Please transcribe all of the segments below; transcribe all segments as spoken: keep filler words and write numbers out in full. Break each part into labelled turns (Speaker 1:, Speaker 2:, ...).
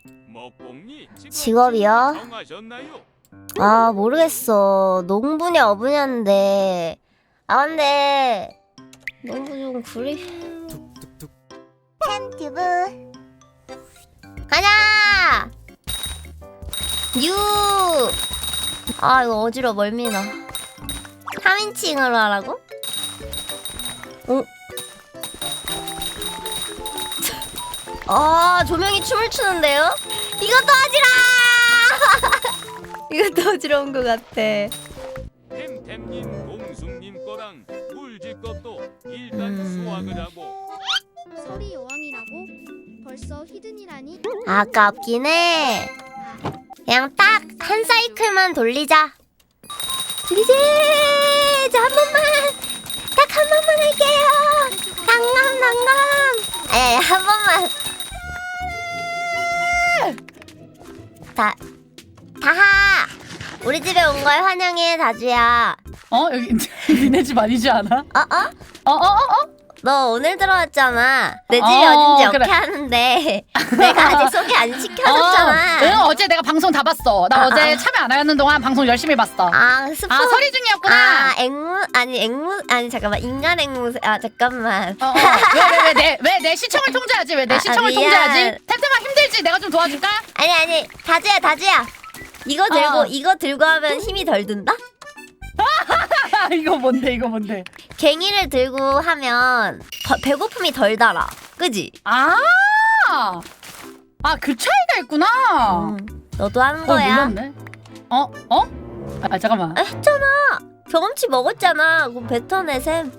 Speaker 1: 직업이요? 아 모르겠어. 농부냐 어부냐인데. 아 근데 농부 좀 구리. 팬튜브 가자. 유. 아 이거 어지러 멀미나. 삼 인칭으로 하라고? 어? 아 조명이 춤을 추는데요? 이것도 어지러! 이것도 어지러운 것 같아.
Speaker 2: 템템님, 공숙님 거랑 물집것도 일단
Speaker 1: 음...
Speaker 2: 수확을 하고.
Speaker 3: 설이 여왕이라고? 벌써 히든이라니?
Speaker 1: 아깝긴 해. 그냥 딱 한 사이클만 돌리자. 돌리자. 한 번만. 딱 한 번만 할게요. 당감 당감. 아니 한 번만. 다 다하. 우리 집에 온 걸 환영해 다주야.
Speaker 4: 어? 여기 니네 집 아니지 않아?
Speaker 1: 어 어?
Speaker 4: 어 어 어 어?
Speaker 1: 너 오늘 들어왔잖아. 내 집이
Speaker 4: 어,
Speaker 1: 어딘지
Speaker 4: 그래.
Speaker 1: 어떻게 하는데 내가 아직 소개 안 시켜줬잖아.
Speaker 4: 어, 응 어제 내가 방송 다 봤어. 나
Speaker 1: 아,
Speaker 4: 어제
Speaker 1: 아.
Speaker 4: 참여 안 하는 동안 방송 열심히 봤어.
Speaker 1: 아 스포.
Speaker 4: 아 서리 중이었구나.
Speaker 1: 아 앵무 아니 앵무 아니 잠깐만 인간 앵무 아 잠깐만.
Speaker 4: 어, 어. 왜 왜 왜 내 왜 내 시청을 통제하지? 왜 내
Speaker 1: 아,
Speaker 4: 시청을
Speaker 1: 미안.
Speaker 4: 통제하지? 템템아 힘들지? 내가 좀 도와줄까?
Speaker 1: 아니 아니 다주야 다주야. 이거 들고
Speaker 4: 어.
Speaker 1: 이거 들고 하면 힘이 덜 든다?
Speaker 4: 이거 뭔데 이거 뭔데?
Speaker 1: 갱이를 들고 하면 더, 배고픔이 덜 달아. 그지?
Speaker 4: 아, 아 그 차이가 있구나.
Speaker 1: 음, 너도 하는
Speaker 4: 어
Speaker 1: 거야.
Speaker 4: 몰랐네. 어 어? 아 잠깐만.
Speaker 1: 아, 했잖아. 경험치 먹었잖아. 그럼 뱉어내 셈.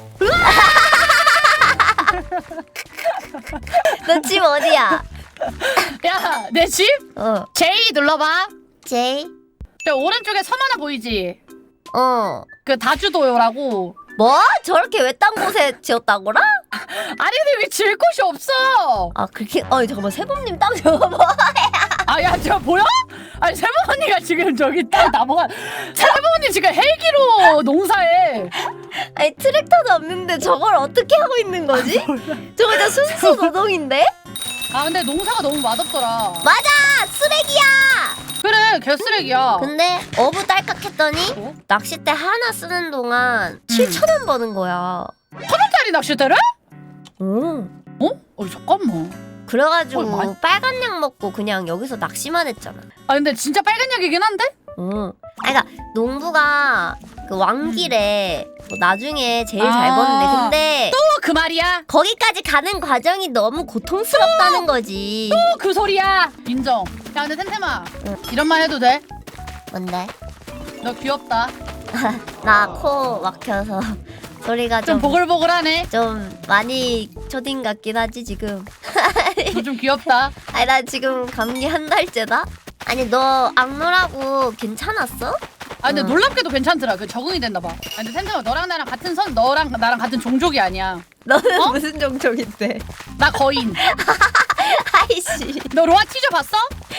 Speaker 1: 너 집 어디야?
Speaker 4: 야 내 집?
Speaker 1: 어.
Speaker 4: 제이 눌러봐.
Speaker 1: 제이.
Speaker 4: 저 오른쪽에 섬 하나 보이지?
Speaker 1: 어.
Speaker 4: 그 다주도요라고.
Speaker 1: 뭐? 저렇게 외딴 곳에 지었다고라?
Speaker 4: 아니 근데 왜 질 곳이 없어?
Speaker 1: 아 그렇게. 어 잠깐만 세범님 땅 저거 뭐?
Speaker 4: 아야 저 보여? 아니 세범 언니가 지금 저기 딱 나무가 세범 언니 지금 헬기로 농사해.
Speaker 1: 아니 트랙터도 없는데 저걸 어떻게 하고 있는 거지? 저거 진짜 순수 노동인데?
Speaker 4: 아 근데 농사가 너무 맛없더라.
Speaker 1: 맞아! 쓰레기야!
Speaker 4: 그래 개쓰레기야.
Speaker 1: 근데 어부 딸깍 했더니
Speaker 4: 어?
Speaker 1: 낚싯대 하나 쓰는 동안 칠천 원 버는 거야.
Speaker 4: 천 원짜리 낚싯대를?
Speaker 1: 오.
Speaker 4: 어? 어 잠깐만.
Speaker 1: 그래가지고
Speaker 4: 어, 많이-
Speaker 1: 빨간 약 먹고 그냥 여기서 낚시만 했잖아.
Speaker 4: 아 근데 진짜 빨간 약이긴 한데?
Speaker 1: 응. 아니, 그러니까 농부가 그 왕길에 뭐 나중에 제일 잘
Speaker 4: 아.
Speaker 1: 버는데 근데
Speaker 4: 또 그 말이야?
Speaker 1: 거기까지 가는 과정이 너무 고통스럽다는 거지.
Speaker 4: 또 그 소리야. 인정. 야 근데 템템아
Speaker 1: 응.
Speaker 4: 이런 말 해도 돼?
Speaker 1: 뭔데?
Speaker 4: 너 귀엽다.
Speaker 1: 나 코 막혀서 소리가
Speaker 4: 좀
Speaker 1: 좀
Speaker 4: 보글보글하네.
Speaker 1: 좀 많이 초딩 같긴 하지 지금.
Speaker 4: 너 좀 귀엽다.
Speaker 1: 아니 나 지금 감기 한 달째다. 아니 너 악놀하고 괜찮았어?
Speaker 4: 아 근데
Speaker 1: 응.
Speaker 4: 놀랍게도 괜찮더라. 그 적응이 됐나 봐. 아, 근데 템템아 너랑 나랑 같은 선 너랑 나랑 같은 종족이 아니야.
Speaker 1: 너는
Speaker 4: 어?
Speaker 1: 무슨 종족인데?
Speaker 4: 나 거인.
Speaker 1: 아이씨.
Speaker 4: 너 로아 티저 봤어?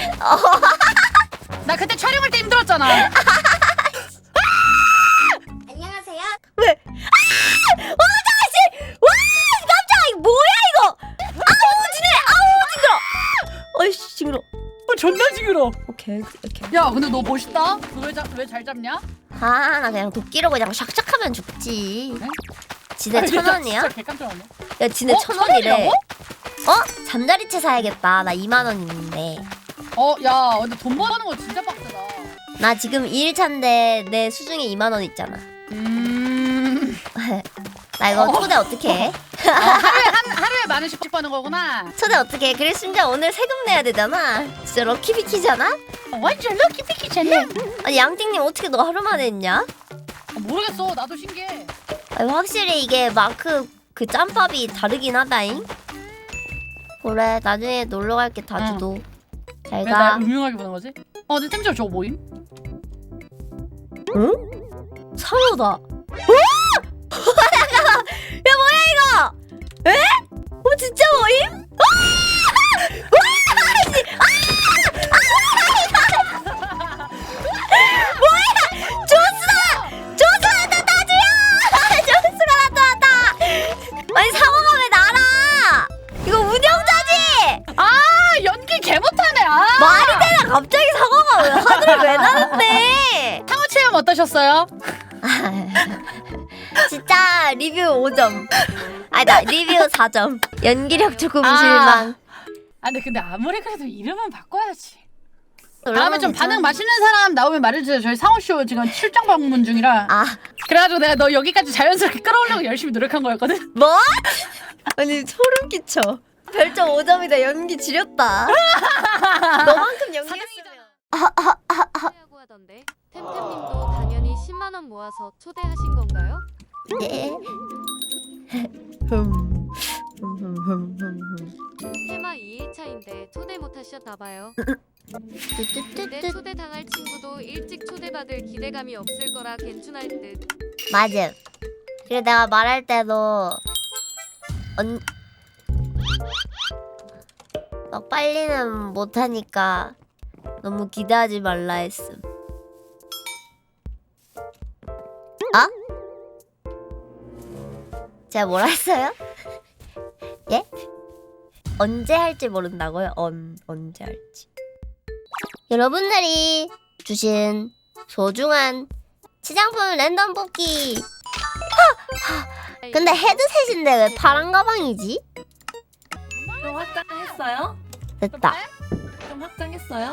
Speaker 4: 나 그때 촬영할 때 힘들었잖아.
Speaker 3: 안녕하세요.
Speaker 1: 왜? 아! 와 아저씨! 와 깜짝아 이거 뭐야 이거? 아우 지네 아우 징그러. 어이씨 징그러.
Speaker 4: 어, 존나 징그러.
Speaker 1: 오케이 오케이.
Speaker 4: 야 근데 너 멋있다. 너왜왜 잘 잡냐?
Speaker 1: 아나 그냥 도끼로 그냥 샥샥하면 죽지.
Speaker 4: 그래?
Speaker 1: 지네
Speaker 4: 아,
Speaker 1: 천
Speaker 4: 나
Speaker 1: 원이야?
Speaker 4: 진짜 개깜짝 놀랐네.
Speaker 1: 야 지네
Speaker 4: 어?
Speaker 1: 천
Speaker 4: 천
Speaker 1: 원이래.
Speaker 4: 원이라고?
Speaker 1: 어? 잠자리채 사야겠다. 나 이만 원 있는데.
Speaker 4: 어, 야, 근데 돈 버는 거 진짜 빡세다.
Speaker 1: 나 지금 이 일차인데 내 수중에 이만 원 있잖아.
Speaker 4: 음,
Speaker 1: 나 이거
Speaker 4: 어.
Speaker 1: 초대 어떻게 해?
Speaker 4: 어, 하루에 한 하루에 만 원씩 버는 거구나.
Speaker 1: 초대 어떻게 해? 그래 심지어 오늘 세금 내야 되잖아. 진짜 럭키비키잖아?
Speaker 4: 어, 완전 럭키 피키잖아.
Speaker 1: 아니 양띵님 어떻게 너 하루 만에 했냐?
Speaker 4: 어, 모르겠어, 나도 신기해.
Speaker 1: 아니, 확실히 이게 마크 그 짬밥이 다르긴 하다잉. 그래 나중에 놀러 갈게 다주도. 잘
Speaker 4: 왜 날
Speaker 1: 가.
Speaker 4: 음흉하게 보는 거지? 어, 근데 템저 저거 뭐임?
Speaker 1: 응? 상어다. 와! 잠깐만. 야 뭐야 이거? 에? 어 진짜 뭐임? 와! 와! 씨! 아! 뭐야? 조스가! 조스가 나타나줘요! 조스가 나타났다! 아니 상어가 왜 날아? 이거 운영자지?
Speaker 4: 아, 연기 개 못하네.
Speaker 1: 갑자기 사과가 왜 하늘을 왜 나는데?
Speaker 4: 상호 체험 어떠셨어요?
Speaker 1: 진짜 리뷰 오 점. 아니 나 리뷰 사 점. 연기력 조금
Speaker 4: 아.
Speaker 1: 실망.
Speaker 4: 아 근데 근데 아무리 그래도 이름은 바꿔야지. 다음에 좀 반응 맛있는 사람 나오면 말해주세요. 저희 상호쇼 지금 출장 방문 중이라.
Speaker 1: 아
Speaker 4: 그래가지고 내가 너 여기까지 자연스럽게 끌어오려고 열심히 노력한 거였거든.
Speaker 1: 뭐? 아니 소름 끼쳐. 별점 오 점이다. 연기 지렸다. 너만큼 연기했으면.
Speaker 5: 하고 하던데 템템님도 당연히 십만 원 모아서 초대하신 건가요?
Speaker 1: 네. 흠. 흠흠흠흠흠.
Speaker 5: 테마 이 일차인데 초대 못하셨나봐요. 근데
Speaker 1: 뚜뚜뚜뚜.
Speaker 5: 초대 당할 친구도 일찍 초대받을 기대감이 없을 거라 괜찮을 듯.
Speaker 1: 맞음. 그리고 내가 말할 때도 언... 막 빨리는 못하니까 너무 기대하지 말라 했음. 아? 제가 뭐라 했어요? 예? 언제 할지 모른다고요? 언, 언제 할지. 여러분들이 주신 소중한 시장품 랜덤 뽑기. 근데 헤드셋인데 왜 파란 가방이지?
Speaker 6: 좀 확장했어요?
Speaker 1: 됐다.
Speaker 6: 좀 확장했어요?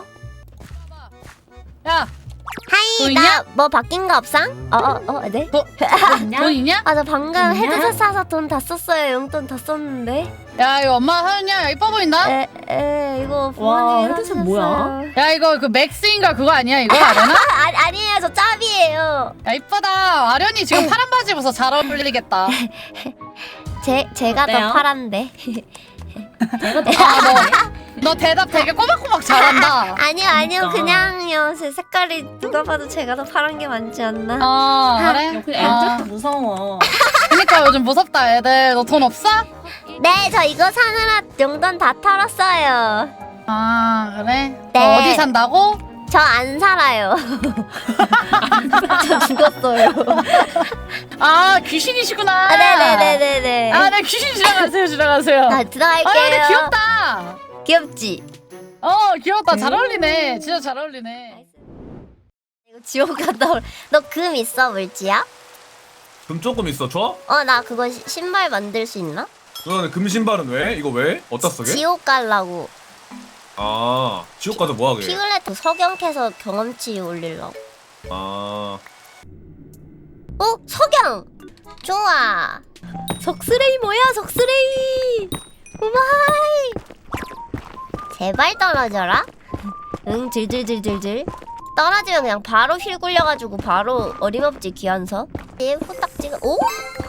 Speaker 4: 야,
Speaker 1: 하이
Speaker 4: 돈 있냐?
Speaker 1: 나 뭐 바뀐 거 없상? 어어 어, 네?
Speaker 4: 돈 있냐?
Speaker 1: 아 저 방금
Speaker 6: 있냐?
Speaker 1: 헤드셋 사서 돈 다 썼어요. 용돈 다 썼는데.
Speaker 4: 야 이거 엄마 사줬냐? 야, 이뻐 보인다?
Speaker 1: 에에 이거
Speaker 6: 와,
Speaker 1: 부모님이
Speaker 6: 헤드셋
Speaker 1: 사주셨어요.
Speaker 6: 뭐야?
Speaker 4: 야 이거 그 맥스인가 그거 아니야 이거 아련아?
Speaker 1: 아 아니, 아니에요 저 짭이에요.
Speaker 4: 야 이쁘다. 아련이 지금 파란 바지 입어서 잘 어울리겠다.
Speaker 1: 제 제가
Speaker 6: 어때요?
Speaker 1: 더 파란데.
Speaker 6: 제가 더
Speaker 4: 아, 너, 너 대답 되게 꼬박꼬박 잘한다.
Speaker 1: 아니요 아니요
Speaker 6: 그러니까.
Speaker 1: 그냥요. 제 색깔이 누가 봐도 제가 더 파란 게 많지 않나?
Speaker 4: 어 그래?
Speaker 6: 그
Speaker 4: 아,
Speaker 6: 애들도 무서워.
Speaker 4: 그니까 요즘 무섭다 애들. 너 돈 없어?
Speaker 1: 네 저 이거 사느라 용돈 다 털었어요.
Speaker 4: 아 그래?
Speaker 1: 네.
Speaker 4: 어, 어디 산다고?
Speaker 1: 저 안 살아요. 저 죽었어요.
Speaker 4: 아 귀신이시구나.
Speaker 1: 아 네네네네네.
Speaker 4: 아, 네 귀신 지나가세요, 지나가세요.
Speaker 1: 아 들어갈게요.
Speaker 4: 아, 근데 귀엽다.
Speaker 1: 귀엽지?
Speaker 4: 어, 귀엽다. 잘 어울리네. 진짜 잘 어울리네.
Speaker 1: 이거 지옥 갔다 올. 너 금 있어 물지야?
Speaker 7: 금 조금 있어. 줘?
Speaker 1: 어 나 그거 시, 신발 만들 수 있나?
Speaker 7: 너네 금 신발은 왜? 이거 왜? 어디다 쓰게?
Speaker 1: 지옥 갈라고.
Speaker 7: 아, 지옥 가서 뭐 하게?
Speaker 1: 피글렛 석영 캐서 경험치 올리려고.
Speaker 7: 아,
Speaker 1: 어 석영. 좋아. 석스레이 뭐야 석스레이. 우마이. 제발 떨어져라. 응 질질질질질. 떨어지면 그냥 바로 휠 굴려가지고 바로 어림없지 귀한서. 얘 후딱 찍어. 오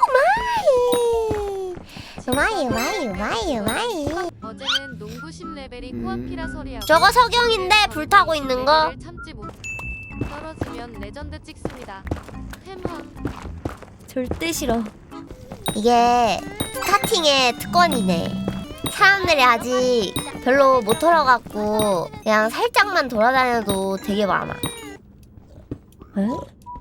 Speaker 1: 마이. 마이 마이 마이 마이.
Speaker 5: 어제는 농구심 레벨이 코앞이라 소리하고
Speaker 1: 저거 석영인데 불타고 있는 거.
Speaker 5: 레벨을 참지 못. 떨어지면 레전드 찍습니다. 템함.
Speaker 1: 절대 싫어. 이게 스타팅의 특권이네. 사람들이 아직 별로 못 털어갖고 그냥 살짝만 돌아다녀도 되게 많아. 에?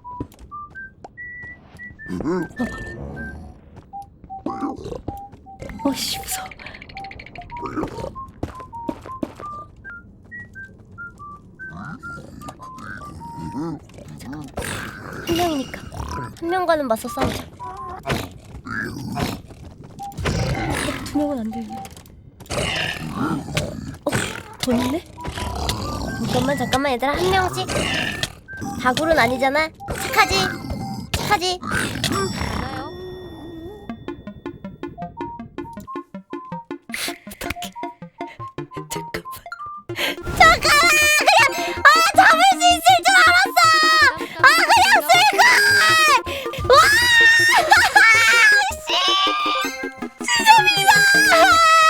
Speaker 1: 어씨 무서워. 한 명이니까 한 명과는 맞서 싸우자. 두 명은 안 되네. 어? 더 있네? 잠깐만 잠깐만 얘들아 한 명씩. 다굴은 아니잖아. 착하지? 착하지?
Speaker 5: 많아요.
Speaker 1: 잠깐만 그냥 아 잡을 수 있을 줄 알았어. 아 그냥 쓸걸. 와 씨. 진짜 비싸.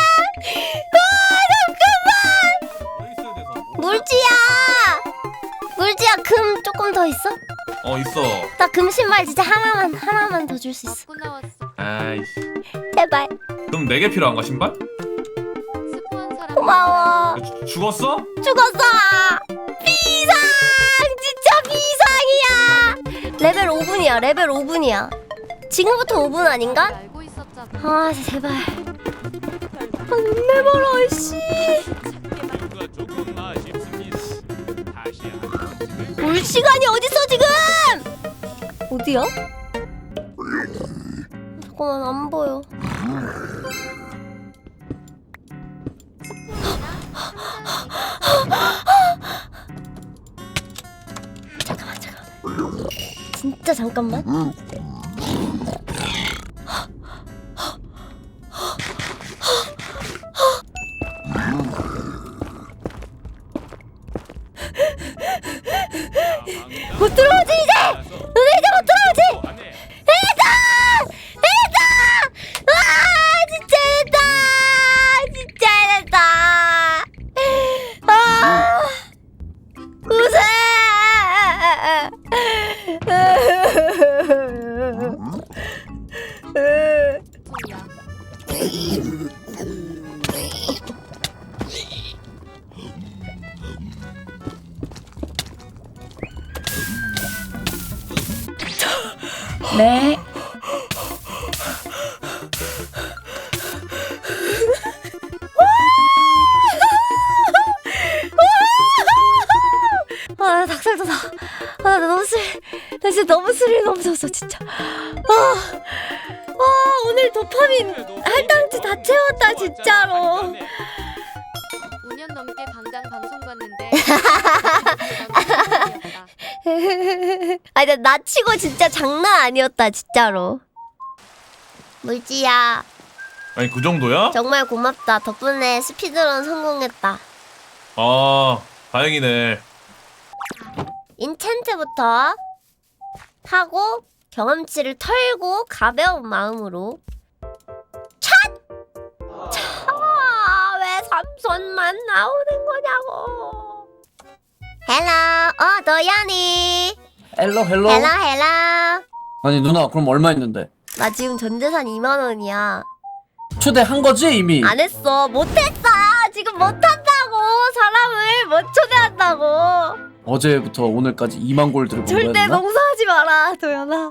Speaker 1: 와 잠깐만.
Speaker 7: 왜 있어야 돼서?
Speaker 1: 물지야. 물지야 금 조금 더 있어?
Speaker 7: 어, 있어.
Speaker 1: 나 금 신발 진짜 하나만 하나만 더 줄 수 있어.
Speaker 5: 먹고 나왔어.
Speaker 7: 아이씨.
Speaker 1: 제발.
Speaker 7: 그럼 네 개 필요한가 신발?
Speaker 5: 스포한 사람.
Speaker 1: 고마워.
Speaker 7: 주, 죽었어?
Speaker 1: 죽었어. 비상. 진짜 비상이야. 레벨 오 분이야. 레벨 오 분이야. 지금부터 오 분 아닌가?
Speaker 5: 알고 있었잖아.
Speaker 1: 아 제발. 안 내버려 씨.
Speaker 2: 뭔가 조금 아쉽습니다.
Speaker 1: 시간이 어딨어 지금? 어디야? 잠깐만 안 보여. 잠깐만 잠깐만. 진짜 잠깐만. 못 들어오지 이제! 너네 이제 못 들어오지! 해냈다! 해냈다! 와 진짜 해냈다! 진짜 해냈다! 아 우세!
Speaker 4: 네.
Speaker 1: 아 닭살 돋아. 아 나 너무 슬. 나 진짜 너무 스릴 넘쳤어 진짜. 아, 아 오늘 도파민 할당치 다 채웠다 진짜로.
Speaker 5: 오 년 넘게 당장 방송 봤는데
Speaker 1: 아니 나, 나 치고 진짜 장난 아니었다 진짜로. 물지야
Speaker 7: 아니 그 정도야?
Speaker 1: 정말 고맙다. 덕분에 스피드런 성공했다.
Speaker 7: 아 다행이네.
Speaker 1: 인챈트부터 하고 경험치를 털고 가벼운 마음으로 찻! 차! 왜 삼손만 나오는 거냐고. 헬로 어 너야니.
Speaker 8: 헬로 헬로.
Speaker 1: 헬로 헬로.
Speaker 8: 아니 누나 그럼 얼마 있는데?
Speaker 1: 나 지금 전재산 이만 원이야.
Speaker 8: 초대한 거지 이미?
Speaker 1: 안 했어. 못했어. 지금 못한다고. 사람을 못 초대한다고.
Speaker 8: 어제부터 오늘까지 이만 골드를 본
Speaker 1: 절대
Speaker 8: 거였나?
Speaker 1: 농사하지 마라 도연아.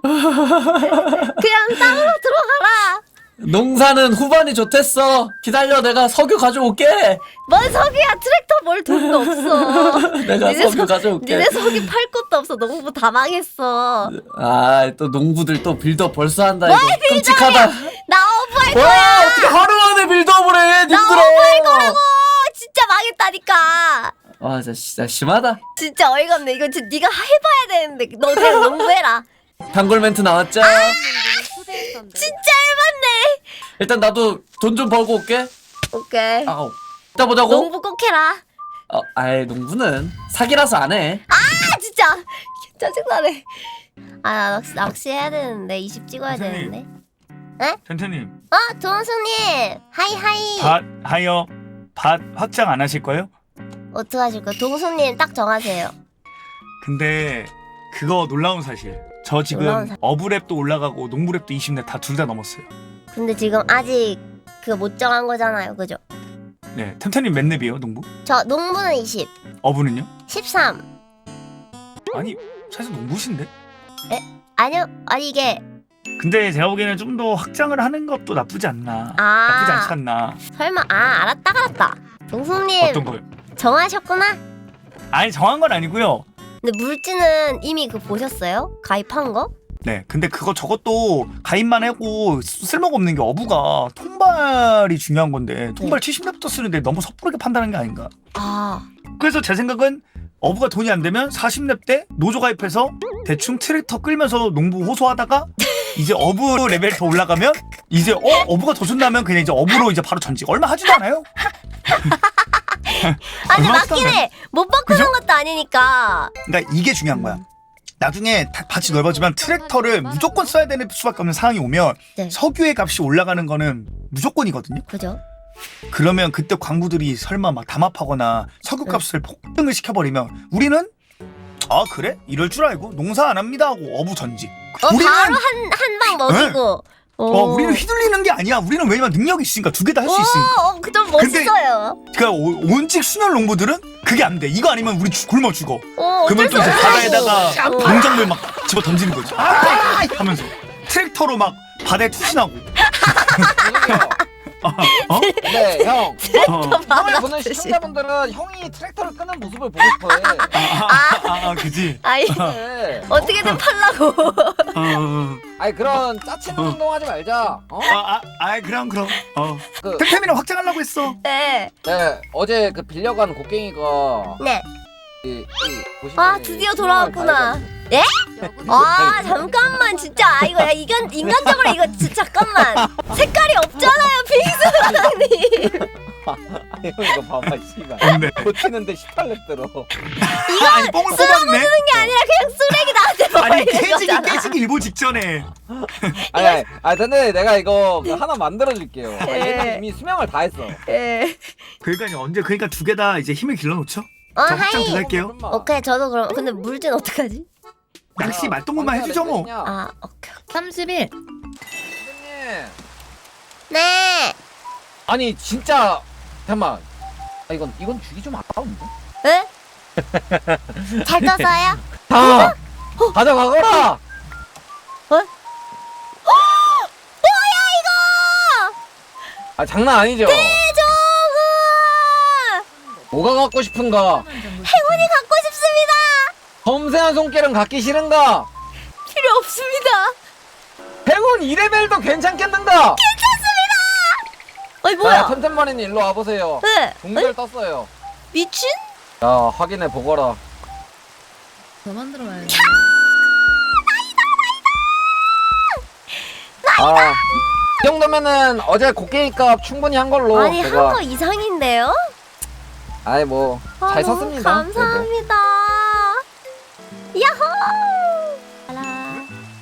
Speaker 1: 그냥 땅으로 들어가라.
Speaker 8: 농사는 후반이 좋댔어. 기다려 내가 석유 가져올게.
Speaker 1: 뭔 석유야. 트랙터 몰 돈도 없어.
Speaker 8: 내가
Speaker 1: 니네
Speaker 8: 석유
Speaker 1: 석-
Speaker 8: 가져올게.
Speaker 1: 니네 석유 팔 곳도 없어. 농부 다 망했어.
Speaker 8: 아 또 농부들 또 빌드업 벌써 한다 이거. 끔찍하다.
Speaker 1: 나 어부할
Speaker 8: 와
Speaker 1: 거야.
Speaker 8: 어떻게 하루 만에 빌드업을 해
Speaker 1: 나
Speaker 8: 님들아.
Speaker 1: 어부할 거라고. 진짜 망했다니까.
Speaker 8: 와 진짜, 진짜 심하다.
Speaker 1: 진짜 어이가 없네. 이거 진짜 네가 해봐야 되는데 너 그냥 농부해라.
Speaker 8: 단골 멘트 나왔죠?
Speaker 1: 아!
Speaker 5: 초대했던데
Speaker 1: 진짜 해봤네.
Speaker 8: 일단 나도 돈 좀 벌고 올게.
Speaker 1: 오케이.
Speaker 8: 아우 이따 보자고.
Speaker 1: 농부 꼭 해라.
Speaker 8: 어, 아이 농부는 사기라서 안 해.
Speaker 1: 아 진짜 짜증나네. 아 나 낚시, 낚시 해야 되는데 이십 찍어야
Speaker 9: 선생님.
Speaker 1: 되는데.
Speaker 9: 텐트님
Speaker 1: 어 동수님 하이 하이.
Speaker 9: 밭 하여 밭 확장 안 하실 거예요?
Speaker 1: 어떻게 하실 거예요? 동수님 딱 정하세요.
Speaker 9: 근데 그거 놀라운 사실 저 지금
Speaker 1: 놀라운 사-
Speaker 9: 어부랩도 올라가고 농부랩도 이십 렙 다 둘 다 넘었어요.
Speaker 1: 근데 지금 아직 그거 못 정한 거잖아요, 그죠?
Speaker 9: 네 템템님 몇 렙이에요 농부?
Speaker 1: 저 농부는 이십,
Speaker 9: 어부는요?
Speaker 1: 십삼.
Speaker 9: 아니 사실 농부신데?
Speaker 1: 아니요, 아니 이게
Speaker 9: 근데 제가 보기에는 좀 더 확장을 하는 것도 나쁘지 않나.
Speaker 1: 아.
Speaker 9: 나쁘지 않지 않나.
Speaker 1: 설마 아 알았다 알았다. 동수님
Speaker 9: 어떤 거요?
Speaker 1: 정하셨구나.
Speaker 9: 아니 정한 건 아니고요.
Speaker 1: 근데 물지는 이미 그 보셨어요? 가입한 거?
Speaker 9: 네 근데 그거 저것도 가입만 하고 쓰- 쓸모가 없는 게 어부가 통발이 중요한 건데 통발 칠십 렙부터 쓰는데 너무 섣부르게 판단한 게 아닌가.
Speaker 1: 아
Speaker 9: 그래서 제 생각은 어부가 돈이 안 되면 사십 렙 때 노조 가입해서 대충 트랙터 끌면서 농부 호소하다가 이제 어부 레벨 더 올라가면 이제 어 어부가 더 준다면 그냥 이제 어부로 이제 바로 전직. 얼마 하지도 않아요.
Speaker 1: 아니
Speaker 9: 얼마나
Speaker 1: 맞긴
Speaker 9: 비싼데?
Speaker 1: 해. 못 바꾸는
Speaker 9: 그죠?
Speaker 1: 것도 아니니까.
Speaker 9: 그러니까 이게 중요한 거야. 나중에 다- 밭이 넓어지면 트랙터를 무조건 써야 되는 수밖에 없는 상황이 오면
Speaker 1: 네.
Speaker 9: 석유의 값이 올라가는 거는 무조건이거든요.
Speaker 1: 그죠?
Speaker 9: 그러면 그때 광부들이 설마 막 담합하거나 석유값을 폭등을 시켜버리면 우리는 아 그래? 이럴 줄 알고 농사 안 합니다 하고 어부 전직.
Speaker 1: 어
Speaker 9: 우리는
Speaker 1: 바로 한 한 방 먹이고.
Speaker 9: 어 우리는 휘둘리는 게 아니야. 우리는 왜냐면 능력이 있으니까 두 개 다 할 수 있으니까.
Speaker 1: 어, 좀 멋있어요.
Speaker 9: 그러니까 오- 온직 순혈 농부들은 그게 안 돼. 이거 아니면 우리 죽- 굶어 죽어.
Speaker 1: 어,
Speaker 9: 그러면
Speaker 1: 어쩔
Speaker 9: 또 이제
Speaker 1: 수
Speaker 9: 바다에다가
Speaker 1: 없어. 어.
Speaker 9: 농작물 막 집어 던지는 거지. 아! 하면서 트랙터로 막 바다에 투신하고. 어?
Speaker 10: 네, 형.
Speaker 9: 어.
Speaker 10: 형을 보는 시청자분들은 형이 트랙터를 끄는 모습을 보고 싶어해.
Speaker 9: 아, 아, 아, 그지.
Speaker 1: 아이
Speaker 10: 네.
Speaker 1: 어떻게든 팔라고.
Speaker 9: 어, 어.
Speaker 10: 아니 그런 짜치는
Speaker 9: 어.
Speaker 10: 행동하지 말자. 어?
Speaker 9: 아, 아, 아, 그럼 그럼. 어.
Speaker 10: 그,
Speaker 9: 템템이랑 확장하려고 했어.
Speaker 1: 네.
Speaker 10: 네, 어제 그 빌려간 곡괭이가
Speaker 1: 네.
Speaker 10: 이, 이 보시면
Speaker 1: 아 드디어 돌아왔구나. 예? 아 잠깐만 진짜 아 이거 야 이건 인간적으로 이거 진짜 잠깐만 색깔이 없잖아요 빙수 사장님.
Speaker 10: 아니 형 이거 봐봐 씨발.
Speaker 9: 뭔데?
Speaker 10: 고치는데 십팔 렙 들어.
Speaker 9: 아니 뽕을 뽑았네.
Speaker 1: 게 아니라 그냥 쓰레기 나한테
Speaker 9: 아니
Speaker 1: 버리는
Speaker 9: 깨지기
Speaker 1: 거잖아.
Speaker 9: 깨지기 일보 직전에.
Speaker 10: 아니, 아니, 아니 근데 내가 이거 그 하나 만들어 줄게요. 아,
Speaker 1: 예.
Speaker 10: 얘는 이미 수명을 다 했어.
Speaker 1: 예.
Speaker 9: 그러니까 언제 그러니까 두 개 다 이제 힘을 길러놓죠.
Speaker 1: 어
Speaker 9: 자, 확장
Speaker 1: 하이.
Speaker 9: 들어갈게요.
Speaker 1: 오케이 저도 그럼 근데 물진 어떡하지?
Speaker 9: 낚시 말동무만 해주죠 뭐.
Speaker 1: 아 오케이.
Speaker 6: 삼십일.
Speaker 10: 선생님.
Speaker 1: 네.
Speaker 10: 아니 진짜 잠깐만. 아 이건 이건 주기 좀 아까운데.
Speaker 1: 에? 잘 떴어요?
Speaker 10: 다 가져가거라.
Speaker 1: 어? 뭐야 이거?
Speaker 10: 아 장난 아니죠.
Speaker 1: 저거
Speaker 10: 뭐가 갖고 싶은가?
Speaker 1: 행운이 갖고 싶습니다.
Speaker 10: 섬세한 손길은 갖기 싫은가?
Speaker 1: 필요 없습니다.
Speaker 10: 행운 이 레벨도 괜찮겠는가?
Speaker 1: 괜찮습니다. 아니
Speaker 10: 자,
Speaker 1: 뭐야?
Speaker 10: 템템머리님 일로 와보세요.
Speaker 1: 네.
Speaker 10: 동글 떴어요.
Speaker 1: 미친?
Speaker 10: 자 확인해 보거라.
Speaker 6: 더 만들어 와야지.
Speaker 10: 아, 이 정도면은 어제 곡괭이 값 충분히 한 걸로
Speaker 1: 아니
Speaker 10: 제가
Speaker 1: 한 거 이상인데요?
Speaker 10: 아이 뭐
Speaker 1: 아,
Speaker 10: 잘
Speaker 1: 너무
Speaker 10: 샀습니다.
Speaker 1: 감사합니다. 야호! 알아.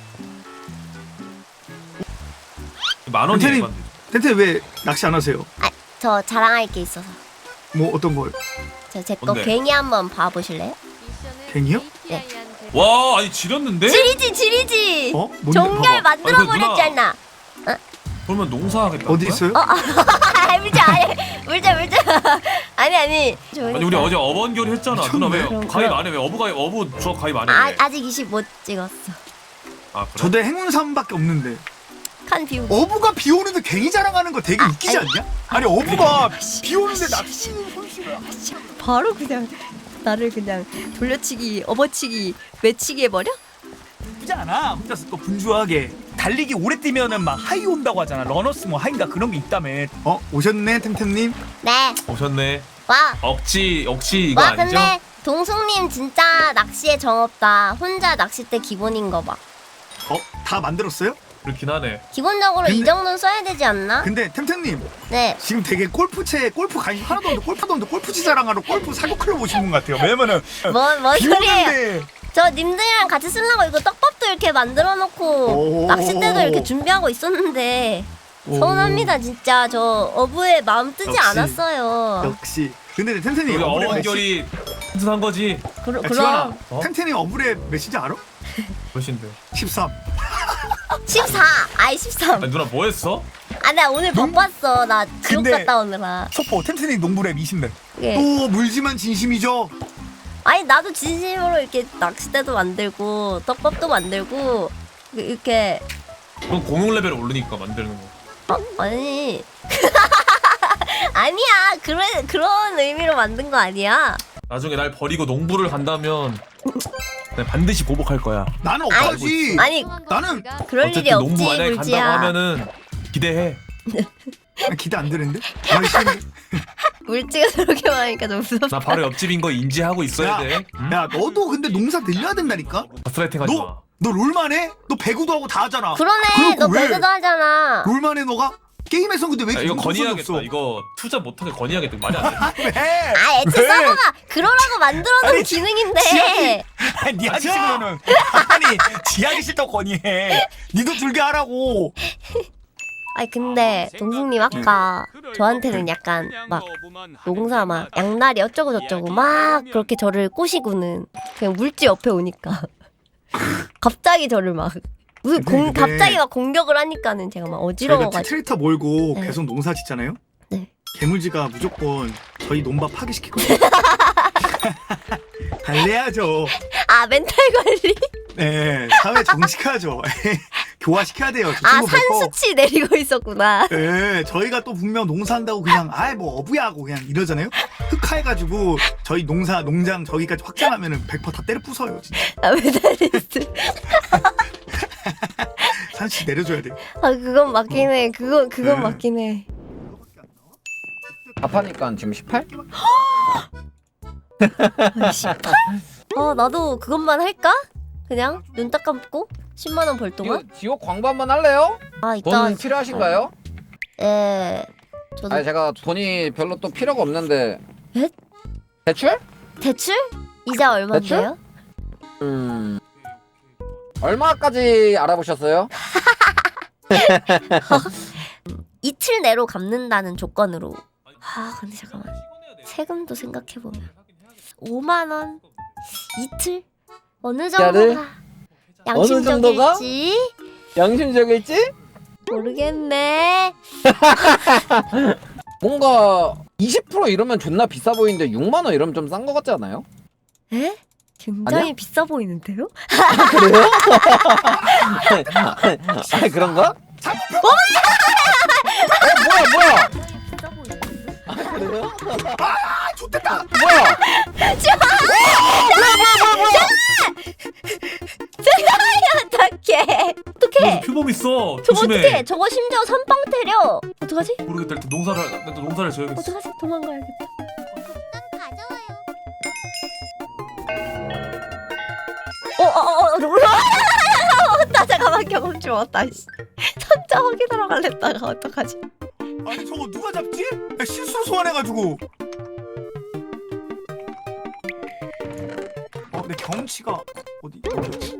Speaker 7: 만 원이에요.
Speaker 9: 템템이
Speaker 7: 이건.
Speaker 9: 템템 왜 낚시 안 하세요?
Speaker 1: 아, 저 자랑할 게 있어서.
Speaker 9: 뭐 어떤 걸?
Speaker 1: 저 제 거
Speaker 7: 뭔데?
Speaker 1: 괭이 한번 봐보실래요?
Speaker 9: 갱이요?
Speaker 1: 네.
Speaker 7: 와 아니 지렸는데?
Speaker 1: 지리지 지리지.
Speaker 9: 어? 뭔데?
Speaker 1: 종결
Speaker 9: 봐봐.
Speaker 1: 만들어
Speaker 7: 아니, 그 누나.
Speaker 1: 버렸잖아.
Speaker 7: 그러면 농사하겠다.
Speaker 9: 어디 있어요?
Speaker 1: 아, 물자 아니 물자 물자. 아니 아니.
Speaker 7: 아니 우리 어제 어번결 했잖아. 누나 왜
Speaker 1: 그럼,
Speaker 7: 가입
Speaker 1: 그럼.
Speaker 7: 안 해? 왜 어부 가입 어부 저 가입 안 해?
Speaker 1: 아
Speaker 7: 왜?
Speaker 1: 아직 이십 못 찍었어.
Speaker 7: 아 그래?
Speaker 9: 저도 행운 삼밖에 없는데.
Speaker 1: 칸 비우기.
Speaker 9: 어부가 비 오는데 갱이 자랑하는 거 되게 웃기지
Speaker 1: 아니.
Speaker 9: 않냐? 아니 어부가 비 오는데 낚시는 손실을.
Speaker 1: 바로 그냥 나를 그냥 돌려치기, 업어치기, 외치기 해버려?
Speaker 9: 나쁘지 않아. 혼자서 또 분주하게 달리기 오래 뛰면은 막 하이 온다고 하잖아. 러너스 뭐 하이인가 그런 게 있다며. 어 오셨네 템템님.
Speaker 1: 네.
Speaker 7: 오셨네.
Speaker 1: 와.
Speaker 7: 억지 억지 이거
Speaker 1: 와
Speaker 7: 아니죠?
Speaker 1: 근데 동숙님 진짜 낚시에 정없다. 혼자 낚싯대 기본인 거 봐.
Speaker 9: 어다 만들었어요?
Speaker 7: 그렇긴 하네.
Speaker 1: 기본적으로 이
Speaker 9: 근데-
Speaker 1: 정도는 써야 되지 않나?
Speaker 9: 근데 템템님
Speaker 1: 네.
Speaker 9: 지금 되게 골프채 골프 관심 하나도 없는데 골프도 없는데 골프치 자랑하러 골프 사교 클럽 오신 분 같아요. 왜냐면은
Speaker 1: 뭔, 뭔
Speaker 9: 비
Speaker 1: 소리예요?
Speaker 9: 오는데
Speaker 1: 저 님들이랑 같이 쓰려고 이거 떡밥도 이렇게 만들어 놓고
Speaker 9: 오.
Speaker 1: 낚싯대도 이렇게 준비하고 있었는데
Speaker 9: 오.
Speaker 1: 서운합니다 진짜. 저 어부의 마음 뜨지
Speaker 9: 역시.
Speaker 1: 않았어요.
Speaker 9: 역시. 근데 템템님
Speaker 7: 우리
Speaker 9: 어불의
Speaker 7: 어번결이 튼튼한 거지.
Speaker 1: 그러,
Speaker 9: 메시... 야, 지원아
Speaker 1: 그럼
Speaker 7: 어?
Speaker 9: 템템님 어불의 메시지 알아?
Speaker 7: 몇인데?
Speaker 9: 십삼.
Speaker 1: 십사. 아이 십삼.
Speaker 7: 아니 누나 뭐 했어?
Speaker 1: 아 나 오늘
Speaker 9: 농-
Speaker 1: 바빴어. 나 지옥
Speaker 9: 근데-
Speaker 1: 갔다 오느라.
Speaker 9: 소포 템템님 농부랩 이십 렙.
Speaker 1: 예.
Speaker 9: 또 물지만 진심이죠.
Speaker 1: 아니 나도 진심으로 이렇게 낚싯대도 만들고 떡밥도 만들고 이렇게
Speaker 7: 그건 공용 레벨 오르니까 만드는 거.
Speaker 1: 어? 아니 아니야 그런 그런 의미로 만든 거 아니야.
Speaker 7: 나중에 날 버리고 농부를 간다면 내가 반드시 보복할 거야.
Speaker 9: 나는 없다지.
Speaker 1: 아니
Speaker 9: 나는-
Speaker 1: 그럴 일이
Speaker 7: 어쨌든 농부
Speaker 1: 없지
Speaker 7: 만약에
Speaker 1: 물지야.
Speaker 7: 간다고 하면은 기대해.
Speaker 9: 기대 안 되는데? 아니 싫은데?
Speaker 1: 물지가 저렇게 말하니까 좀 무섭다.
Speaker 7: 나 바로 옆집인 거 인지하고 있어야
Speaker 9: 야,
Speaker 7: 돼. 응?
Speaker 9: 야 너도 근데 농사 늘려야 된다니까?
Speaker 7: 가스라이팅 하지 마.
Speaker 9: 너, 너 롤만 해? 너 배구도 하고 다 하잖아.
Speaker 1: 그러네
Speaker 9: 그러고
Speaker 1: 너
Speaker 9: 왜?
Speaker 1: 배그도 하잖아.
Speaker 9: 롤만 해 너가? 게임에서 근데 왜
Speaker 7: 야,
Speaker 9: 이렇게
Speaker 7: 이거
Speaker 9: 농구선이
Speaker 7: 건의하겠다.
Speaker 9: 없어?
Speaker 7: 이거 투자 못하게 건의하겠다. 말이 안 돼.
Speaker 9: 왜?
Speaker 1: 아 애초에
Speaker 9: 왜?
Speaker 1: 서버가 그러라고 만들어놓은
Speaker 9: 아니,
Speaker 1: 기능인데.
Speaker 9: 지하기- 아니 니 하기 싫으면은 아니 지 하기 싫다고 건의해. 니도 들게 하라고.
Speaker 1: 아니 근데 동숙님 아까 저한테는 약간 막 농사 막 양날이 어쩌고 저쩌고 막 그렇게 저를 꼬시고는 그냥 물지 옆에 오니까 갑자기 저를 막 무슨 공
Speaker 9: 근데-
Speaker 1: 갑자기 막 공격을 하니까는 제가 막
Speaker 9: 저희가
Speaker 1: 어지러워가지고.
Speaker 9: 트랙터 몰고
Speaker 1: 네.
Speaker 9: 계속 농사 짓잖아요.
Speaker 1: 네.
Speaker 9: 개물지가 무조건 저희 논밭 파괴시키거든요. 달래야죠.
Speaker 1: 아 멘탈 관리.
Speaker 9: 네, 사회 정식하죠. 교화시켜야 돼요. 저
Speaker 1: 아
Speaker 9: 친구 뵙고.
Speaker 1: 산수치 내리고 있었구나.
Speaker 9: 예, 저희가 또 분명 농사한다고 그냥 아이 뭐 어부야 하고 그냥 이러잖아요. 흑화해가지고 저희 농사 농장 저기까지 확장하면은 백 퍼센트 다 때려 부숴요 진짜.
Speaker 1: 아 메달리스트.
Speaker 9: 산씨 내려줘야 돼.
Speaker 1: 아 그건 맞긴 해. 그건 그건
Speaker 9: 네.
Speaker 1: 맞긴 해.
Speaker 10: 답하니까 지금 십팔?
Speaker 1: 아, 십팔? 어 나도 그것만 할까? 그냥 눈 딱 감고 십만 원 벌
Speaker 10: 이거
Speaker 1: 동안?
Speaker 10: 지옥 광고 한번 할래요?
Speaker 1: 아 이따.
Speaker 10: 돈 필요하신가요?
Speaker 1: 예. 저도
Speaker 10: 아니 제가 돈이 별로 또 필요가 없는데.
Speaker 1: 에?
Speaker 10: 대출?
Speaker 1: 대출? 이자 얼마인데요?
Speaker 10: 음. 얼마까지 알아보셨어요?
Speaker 1: 이틀 내로 갚는다는 조건으로. 아 근데 잠깐만. 세금도 생각해 보면 오만 원 이틀 어느
Speaker 10: 이자를?
Speaker 1: 정도가
Speaker 10: 어느 정도가?
Speaker 1: 양심적일지
Speaker 10: 양심적일지?
Speaker 1: 모르겠네.
Speaker 10: 뭔가 이십 퍼센트 이러면 존나 비싸 보이는데 육만 원 이러면 좀 싼 거 같지 않아요?
Speaker 1: 에? 굉장히
Speaker 10: 아니야?
Speaker 1: 비싸 보이는데요?
Speaker 10: 그래요? 아 그런가? 어 뭐야 뭐야?
Speaker 1: 비싸 보이는데?
Speaker 10: 아 그래요?
Speaker 9: 아 좋겠다.
Speaker 10: 뭐야?
Speaker 1: 어떡해 어떡해
Speaker 7: 표범 있어.
Speaker 1: 저거
Speaker 7: 조심해.
Speaker 1: 어떡해 저거 심지어 선빵 때려 어떡하지?
Speaker 7: 모르겠다. 일단 농사를 일단 농사를 지어야겠어.
Speaker 1: 어떡하지? 도망가야겠다.
Speaker 3: 가져와요.
Speaker 1: 어어어 올라 나 잠깐만 경험치 왔다 씨. 천자 확인하러 갈랬다가 어떡하지?
Speaker 9: 아니 저거 누가 잡지? 야, 실수로 소환해가지고. 어, 내 경험치가 어디 어디였지?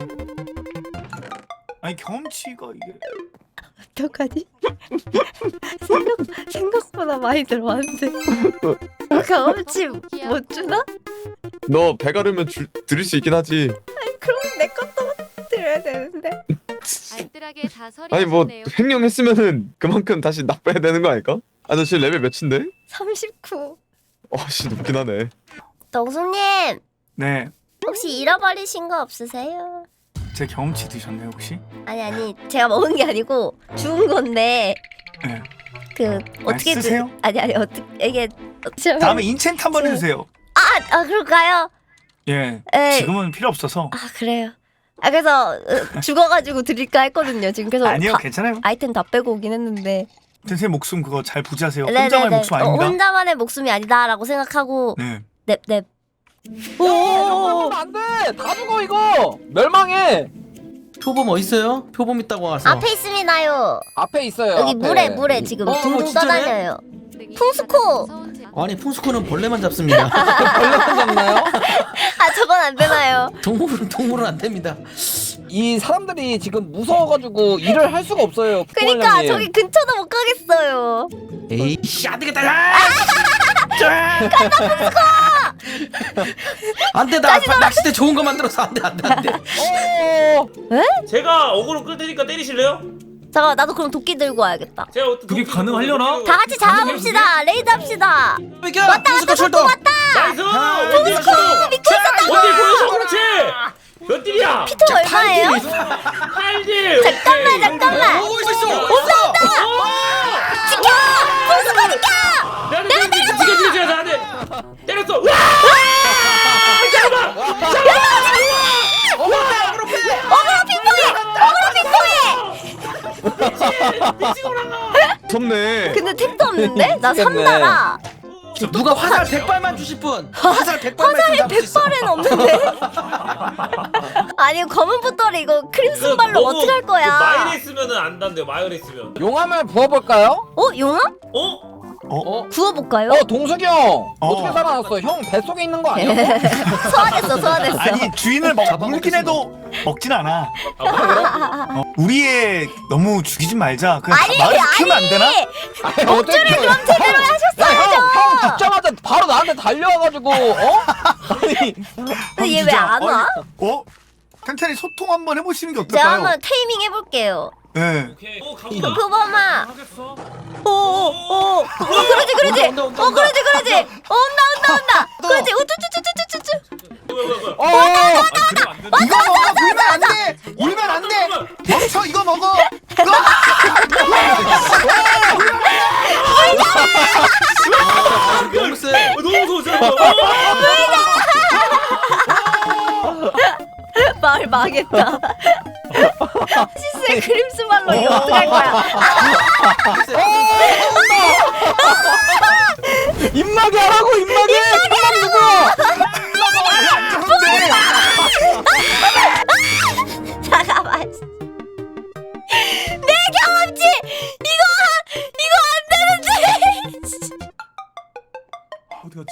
Speaker 9: 아니 경험치가 이게.
Speaker 1: 어떡하지? 생각, 생각보다 많이 들어왔는데 경험치 못 주나?
Speaker 11: 너 배가르면 줄 드릴 수 있긴 하지.
Speaker 1: 그럼 내 것도 드려야 되는데
Speaker 5: 알뜰하게 다
Speaker 11: 아니 뭐
Speaker 5: 서리하셨네요.
Speaker 11: 횡령했으면은 그만큼 다시 납부해야 되는 거 아닐까? 아 너 지금 레벨 몇인데?
Speaker 1: 삼십구.
Speaker 11: 어씨 높긴 하네.
Speaker 1: 동수님
Speaker 9: 네,
Speaker 1: 혹시 잃어버리신 거 없으세요?
Speaker 9: 제 경험치 드셨나요 혹시?
Speaker 1: 아니 아니 제가 먹은 게 아니고 주운 건데
Speaker 9: 네.
Speaker 1: 그 어떻게 그-
Speaker 9: 쓰세요?
Speaker 1: 아니 아니 어떻게 이게 어떻게
Speaker 9: 다음에 인챈트 한번 해주세요.
Speaker 1: 아, 아 그럴까요?
Speaker 9: 예.
Speaker 1: 에이.
Speaker 9: 지금은 필요 없어서.
Speaker 1: 아 그래요. 아 그래서 어, 죽어가지고 드릴까 했거든요. 지금 그래서
Speaker 9: 아니요,
Speaker 1: 다-
Speaker 9: 괜찮아요.
Speaker 1: 아이템 다 빼고 오긴 했는데.
Speaker 9: 선생님 목숨 그거 잘 부지하세요.
Speaker 1: 네네네.
Speaker 9: 혼자만의 목숨
Speaker 1: 어,
Speaker 9: 아닙니다.
Speaker 1: 혼자만의 목숨이 아니다라고 생각하고
Speaker 9: 네.
Speaker 1: 넵넵.
Speaker 10: 오 안돼 다 죽어 이거 멸망해.
Speaker 8: 표범 어딨어요? 표범 있다고 와서.
Speaker 1: 앞에 있습니다요.
Speaker 10: 앞에 있어요.
Speaker 1: 여기
Speaker 10: 앞에.
Speaker 1: 물에 물에 지금
Speaker 8: 어,
Speaker 1: 둥둥
Speaker 8: 진짜네?
Speaker 1: 떠다녀요. 풍수코!
Speaker 8: 아니 풍수코는 벌레만 잡습니다.
Speaker 10: 벌레만 잡나요?
Speaker 1: 아 저건 안 되나요?
Speaker 8: 동물은 동물은 안 됩니다.
Speaker 10: 이 사람들이 지금 무서워가지고 일을 할 수가 없어요.
Speaker 1: 그러니까
Speaker 10: 부모님이.
Speaker 1: 저기 근처도 못 가겠어요.
Speaker 8: 에이씨 안 되겠다. 야! 안돼 나 아빠 낚싯대 좋은 거 만들어서 안돼 안돼 안돼.
Speaker 10: 어.
Speaker 2: 제가 어그로 끌 테니까 때리실래요?
Speaker 1: 잠깐만 나도 그럼 도끼 들고 와야겠다.
Speaker 2: 제가 어떤
Speaker 7: 그게
Speaker 2: 도끼
Speaker 7: 가능하려나?
Speaker 1: 다 같이 잡아봅시다. 레이드 합시다.
Speaker 8: 왔다 풍수코 출동.
Speaker 2: 나이스! 원딜 보여줘 그렇지! 몇 딜이야?
Speaker 1: 피터 얼마예요?
Speaker 2: 팔 딜!
Speaker 1: 잠깐만 잠깐만.
Speaker 8: 오고 있어 있어.
Speaker 1: 지켜! 풍수코 지켜!
Speaker 2: 내가 때렸어! 지켜 지켜 지켜 나한테 때렸어! 와!
Speaker 1: 어그로 핑퐁해! 어그로 핑퐁해!
Speaker 11: 무섭네.
Speaker 1: 근데 택도 없는데? 나
Speaker 10: 미치겠네.
Speaker 1: 삼다라.
Speaker 8: 누가 화살 백 발만 주실 분? 화살 백 발만
Speaker 1: 화살이
Speaker 8: 잡을 수 있어.
Speaker 1: 백 발은 없는데? 아니 검은 붓돌이 이거 크림슨 발로 어떻게 할 거야?
Speaker 2: 마일에 있으면은 안 단대요 마일에 있으면
Speaker 10: 용암을 부어볼까요?
Speaker 1: 어? 용암?
Speaker 2: 어?
Speaker 10: 어?
Speaker 1: 구워볼까요?
Speaker 10: 어 동석이 형
Speaker 9: 어.
Speaker 10: 어떻게 살아났어? 형 뱃속에 있는 거 아니야?
Speaker 1: 소화됐어 소화됐어.
Speaker 9: 아니 주인을 먹,
Speaker 8: 잡아먹겠어.
Speaker 9: 물긴 해도 먹진 않아.
Speaker 2: 아 그래?
Speaker 9: 어, 우리의 너무 죽이지 말자. 그냥
Speaker 1: 아니
Speaker 9: 마을 지키면 안 되나?
Speaker 10: 아니 어떻게 그럼 제대로 하셨어야죠. 형, 형 죽자마자 바로 나한테 달려와가지고 어? 아니
Speaker 1: 근데 얘 왜 안 와?
Speaker 9: 어? 천천히 소통 한번 해보시는 게
Speaker 1: 제가
Speaker 9: 어떨까요?
Speaker 1: 한번 테이밍 해볼게요.
Speaker 9: 네.
Speaker 2: 오케이 어
Speaker 1: 그
Speaker 2: 가보자
Speaker 1: 표범아.
Speaker 2: 하겠어?
Speaker 1: 오오오. 어 그러지 그러지.
Speaker 8: 온다, 온다,
Speaker 1: 어
Speaker 8: 온다.
Speaker 1: 그러지 그러지. 어, 온다 온다 온다. 그러지. 우쭈쭈쭈쭈쭈쭈.
Speaker 2: 뭐야 뭐야 뭐야
Speaker 10: 어
Speaker 9: 이거 먹어! 물면 안 돼! 물면 안 돼! 멈춰! 이거 먹어!
Speaker 1: 망했다. 시스의 그림스말로 이거 어떡할 거야?
Speaker 10: 입마개 하라고 입마개. 입마개 누구야?
Speaker 1: 잠깐만. 내 경험치 이거 이거 안 되는데.
Speaker 7: 어디 갔지?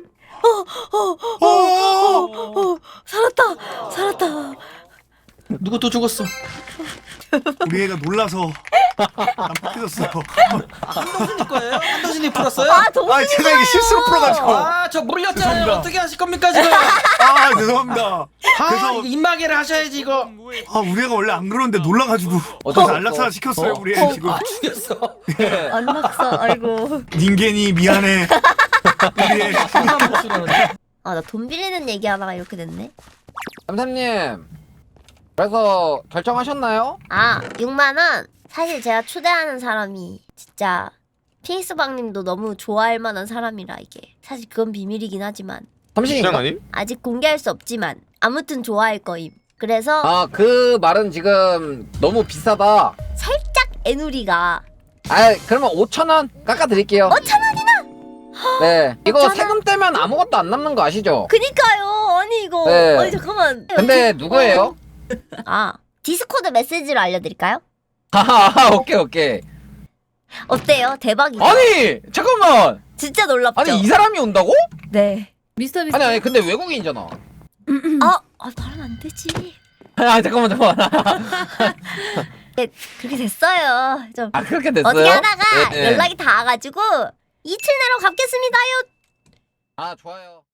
Speaker 1: 어, 살았다 살았다.
Speaker 8: 누구 또 죽었어?
Speaker 9: 우리 애가 놀라서 깜빡해졌어.
Speaker 8: 한동순이 거예요? 한동순이 풀었어요?
Speaker 1: 아 동훈이
Speaker 9: 아 제가 이게 실수로 풀어가지고.
Speaker 8: 아, 저 물렸잖아요.
Speaker 9: 죄송합니다.
Speaker 8: 어떻게 하실 겁니까 지금?
Speaker 9: 아 죄송합니다.
Speaker 8: 아,
Speaker 9: 그래서
Speaker 8: 이거 입마개를 하셔야지 이거.
Speaker 9: 아 우리 애가 원래 안 그러는데 놀라가지고
Speaker 8: 어쩌-
Speaker 9: 그래서 안락사 시켰어요
Speaker 8: 어?
Speaker 9: 우리 애 지금.
Speaker 8: 아, 죽였어. 네.
Speaker 1: 안 낙서. 아이고.
Speaker 9: 닌겐이 미안해. 우리 애.
Speaker 1: 아 나 돈 빌리는 얘기하다가 이렇게 됐네.
Speaker 10: 삼삼님. 그래서 결정하셨나요?
Speaker 1: 아 육만 원. 사실 제가 초대하는 사람이 진짜 피닉스방님도 너무 좋아할 만한 사람이라 이게 사실 그건 비밀이긴 하지만
Speaker 10: 삼십인가?
Speaker 11: 시장 아님?
Speaker 1: 아직 공개할 수 없지만 아무튼 좋아할 거임. 그래서
Speaker 10: 아, 그 말은 지금 너무 비싸다.
Speaker 1: 살짝 애누리가
Speaker 10: 아, 그러면 오천 원 깎아 드릴게요.
Speaker 1: 오천 원이나.
Speaker 10: 네. 이거
Speaker 1: 오천 원?
Speaker 10: 세금 떼면 아무것도 안 남는 거 아시죠?
Speaker 1: 그니까요. 아니 이거
Speaker 10: 네.
Speaker 1: 아니 잠깐만.
Speaker 10: 근데 누구예요?
Speaker 1: 아 디스코드 메시지로 알려드릴까요?
Speaker 10: 아, 오케이, 오케이.
Speaker 1: 어때요? 대박이죠?
Speaker 10: 아니, 잠깐만.
Speaker 1: 진짜 놀랍죠?
Speaker 10: 아니, 이 사람이 온다고?
Speaker 1: 네.
Speaker 6: 미스터 미스터.
Speaker 10: 아니, 아니, 근데 외국인이잖아.
Speaker 1: 아, 아 말하면 안 되지.
Speaker 10: 아, 잠깐만, 잠깐만.
Speaker 1: 네, 그렇게 됐어요. 좀
Speaker 10: 아, 그렇게 됐어요?
Speaker 1: 어떻게 하다가
Speaker 10: 예, 예.
Speaker 1: 연락이 닿아가지고 이틀 내로 갚겠습니다요.
Speaker 10: 아, 좋아요.